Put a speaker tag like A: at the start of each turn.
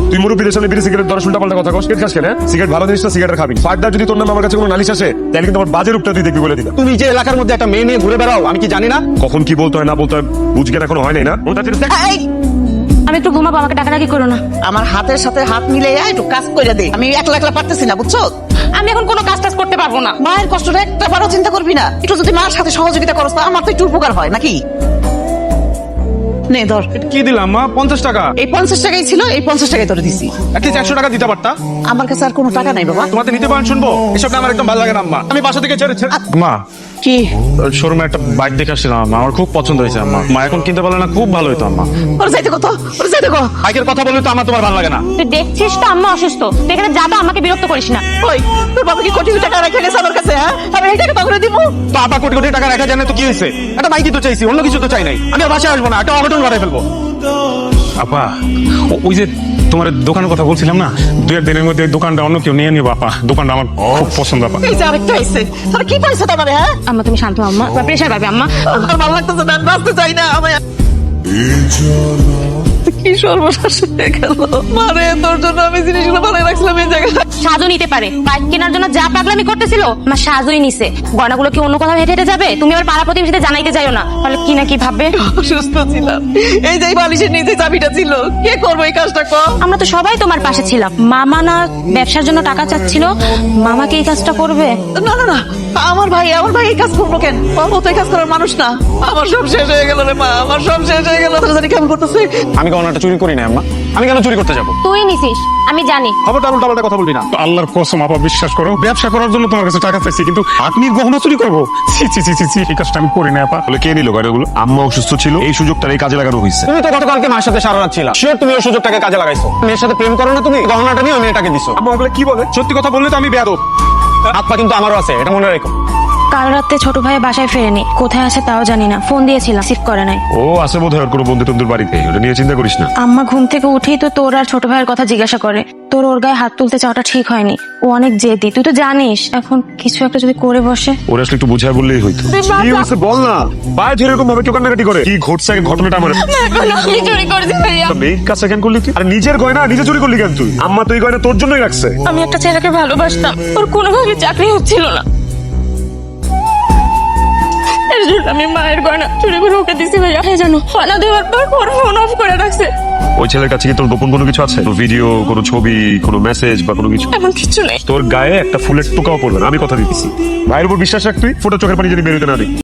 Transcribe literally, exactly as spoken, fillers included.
A: তুই মুরব্বীদের সামনে বিড়ি সিগারেট ধরে উল্টা পাল্টা কথা কস, সিগারেট খাস কেন? সিগারেট ভালো জিনিসটা সিগারেট খাবি। ফার্দার যদি তোর নাম আমার কাছে কোনো নালিশ আসে তাহলে কিন্তু আমার বাজে রূপটা তুই দেখবি বলে দিলাম।
B: তুমি যে এলাকার মধ্যে একটা মেয়ে নিয়ে ঘুরে বেড়াও আমি কি জানি না?
A: কখন কি বলতে হয় না বলতে হয় বুঝকে এখনো হয় নাই না।
C: এই,
D: আমি একটু ঘুমাবো, আমাকে ডাকাডাকি করো না।
C: আমার হাতের সাথে হাত মিলে একটু কাজ করে দে। আমি একলা একলা পারতেছি না, বুঝছো?
D: আমি এখন কোনো কাজ টাজ করতে পারবো না।
C: মায়ের কষ্টটা একটা বারও চিন্তা করবি না? একটু যদি মার সাথে সহযোগিতা করস তা আমার তো একটু উপকার হয় নাকি? নে ধর,
B: কি দিলাম মা? পঞ্চাশ টাকা।
C: এই পঞ্চাশ টাকাই ছিল, এই পঞ্চাশ টাকাই তোরে দিছি।
B: একটি চারশো টাকা দিতে পারতা।
C: আমার কাছে আর কোনো টাকা নাই বাবা।
B: তোমাকে নিতে পারেন শুনবো, এসব আমার একদম ভালো লাগে না আম্মা। আমি বাসা থেকে ছেড়ে ছেড়ে মা
C: কি
B: শোরুমে একটা বাইক দেখে আসছিলাম আম্মা, আমার খুব পছন্দ হয়েছে আম্মা। মা এখন কিনতে পারলে না খুব ভালো হতো আম্মা।
C: ওর যাইতে কত, ওর যাইতে কত।
B: বাইকের কথা বললে তো আমার তোমার ভালো লাগে না।
D: তুই দেখছিস তো আম্মা অসুস্থ, তুই এখানে যাবা, আমাকে বিরক্ত করিস না।
C: ওই তোর বাবা কি কোটি কোটি টাকা রেখে গেছে আমার কাছে? হ্যাঁ, আমি এই টাকা তখন দিব।
B: তো আপা কোটি কোটি টাকা রাখা জানে তো কি হয়েছে? একটা বাইকই তো চাইছি, অন্য কিছু তো চাই নাই। আমি আর বাসায় আসবো না, একটা অঘটন ঘটাই ফেলবো।
E: আপা ও- ওই যে তোমার দোকানের কথা বলছিলাম না, দুই এক দিনের মধ্যে ওই দোকানটা অন্য কেউ নিয়ে নিবো আপা। দোকানটা আমার খুব পছন্দ আপা।
C: এই যে আরেকটা আইছে, তোর কি পাইছে তোমার? হ্যাঁ,
D: আম্মা তুমি শান্ত হও আম্মা, প্রেশার পাবে আম্মা।
C: আমার ভালো লাগতেছে না, আমি বাঁচতে চাই না। আমি কি সর্বনাশ হয়ে গেল। মারে তোর জন্য আমি জিনিসগুলো ভালো রাখছিলাম এই জায়গায়।
D: সাজও নিতে পারে, বাইক কেনার জন্য যা পাগলামি করতেছিল আমার সাজই নিছে। গয়নাগুলো কি অন্য কোথাও হেঁটে হেঁটে যাবে? তুমি আবার পাড়া প্রতিবেশীতে জানাইতে যাইও না, তাহলে কি না কি ভাববে।
C: অসুস্থ ছিলাম, এই যে এই বালিশের নিচে চাবিটা ছিল। কে করবো এই কাজটা? কর।
D: আমরা তো সবাই তোমার পাশে ছিলাম। মামা না ব্যবসার জন্য টাকা চাচ্ছিল, মামাকে এই কাজটা করবে?
C: না না না, আমার ভাই, আমার ভাই এই কাজ করবো কেন? বাবা তো এই কাজ করার মানুষ না। আমার সব শেষ হয়ে গেল রে মা, আমার সব শেষ হয়ে গেল। তোরা জানি কেমন করতেছে।
B: আমি গহনাটা চুরি করি না আম্মা, আমি কেন চুরি করতে যাবো?
D: তুই নিছিস আমি জানি।
B: খবরটা উল্টা পাল্টা কথা বলবি না।
E: তো আল্লাহর কসম আপা, বিশ্বাস করো, ব্যবসা করার জন্য তোমার কাছে টাকা চাইছি, কিন্তু আপনি গহনা চুরি করবো? ছি ছি ছি ছি ছি, এই কাজটা আমি করি না আপা।
A: তাহলে কে নিল গয়নাগুলো? আম্মা অসুস্থ ছিল, এই সুযোগটা এই কাজে লাগানো হয়েছে।
B: তুমি তো গতকালকে মার সাথে সারা রাত ছিলা, শিওর তুমি ওই সুযোগটাকে কাজে লাগাইছো। মেয়ের সাথে প্রেম করো না তুমি, গহনাটা নিয়ে ওই মেয়েটাকে দিছো।
A: আম্মা ওগুলো কি বলে?
B: সত্যি কথা বললে তো আমি বেয়াদব। হাত পা কিন্তু আমারও আছে, এটা মনে রেখো।
D: কাল রাতে ছোট ভাই বাসায় ফেরেনি, কোথায় আছে তাও জানি না। ফোন দিয়েছিলাম, রিসিভ করে নাই।
A: ও আছে বোধ হয় ওর কোনো বন্ধু টন্ধুর বাড়িতে, ওটা নিয়ে চিন্তা করিস না।
D: আম্মা ঘুম থেকে উঠেই তো তোর আর ছোট ভাইয়ের কথা জিজ্ঞাসা করে। তোর ওর গায়ে হাত তুলতে চাওয়াটা ঠিক হয়নি, ও অনেক জেদি, তুই তো জানিস। এখন কিছু একটা যদি করে বসে।
A: ওরা আসলে একটু বুঝায় বললেই হইতো। কি হয়েছে বল না, বাইরে ধরে এরকম ভাবে কেউ কান্নাকাটি করে? কি ঘটছে আগে ঘটনাটা আমার।
D: আমি চুরি করেছি ভাইয়া।
A: মেয়ের কাছে কেন করলি তুই? আর নিজের গয়না নিজে চুরি করলি কেন তুই? আম্মা তো এই গয়না তোর জন্যই রাখছে।
D: আমি একটা ছেলেকে ভালোবাসতাম, ওর কোনোভাবে চাকরি হচ্ছিল না, এর জন্য আমি মায়ের গয়না চুরি করে ওকে দিছি ভাইয়া। হ্যাঁ জানো, গয়না দেওয়ার পর ওর ফোন অফ করে রাখছে।
A: ওই ছেলের কাছে কি তোর গোপন কোনো কিছু আছে? তোর ভিডিও, কোনো ছবি, কোনো মেসেজ বা কোনো কিছু?
D: এমন কিছু নেই।
A: তোর গায়ে একটা ফুলের টোকাও পড়বে না, আমি কথা দিতেছি। ভাইয়ের উপর বিশ্বাস রাখ তুই, ফোটো চোখের পানি যদি বেরোতে না দিই।